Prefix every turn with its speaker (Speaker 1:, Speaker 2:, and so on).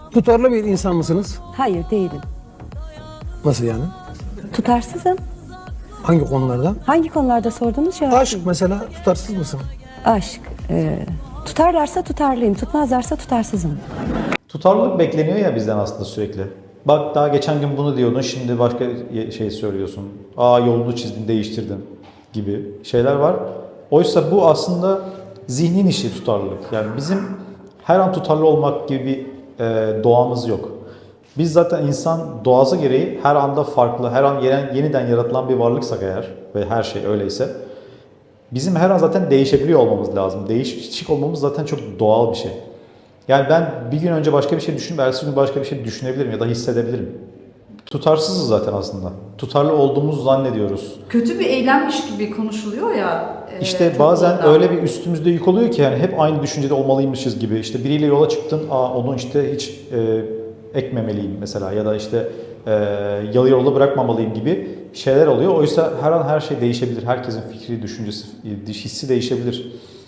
Speaker 1: Tutarlı bir insan mısınız?
Speaker 2: Hayır değilim.
Speaker 1: Nasıl yani?
Speaker 2: Tutarsızım.
Speaker 1: Hangi konularda?
Speaker 2: Hangi konularda sordunuz cevap
Speaker 1: Aşk
Speaker 2: vereyim.
Speaker 1: mesela, tutarsız mısın?
Speaker 2: Aşk. Tutarlarsa tutarlıyım, tutmazlarsa tutarsızım.
Speaker 3: Tutarlılık bekleniyor ya bizden aslında sürekli. Bak daha geçen gün bunu diyordun, şimdi başka şey söylüyorsun. Yolunu çizdin, değiştirdin gibi şeyler var. Oysa bu aslında zihnin işi tutarlılık. Yani bizim her an tutarlı olmak gibi bir doğamız yok. Biz zaten insan doğası gereği her anda farklı, her an yeniden yaratılan bir varlıksak eğer ve her şey öyleyse bizim her an zaten değişebiliyor olmamız lazım. Değişik olmamız zaten çok doğal bir şey. Yani ben bir gün önce başka bir şey düşünüp ertesi gün başka bir şey düşünebilirim ya da hissedebilirim. Tutarsızız zaten aslında. Tutarlı olduğumuzu zannediyoruz.
Speaker 4: Kötü bir eylemmiş gibi konuşuluyor ya.
Speaker 3: İşte bazen öyle bir üstümüzde yük oluyor ki yani hep aynı düşüncede olmalıymışız gibi. İşte biriyle yola çıktın, onu işte hiç ekmemeliyim mesela ya da işte yarı yolda bırakmamalıyım gibi şeyler oluyor. Oysa her an her şey değişebilir. Herkesin fikri, düşüncesi, hissi değişebilir.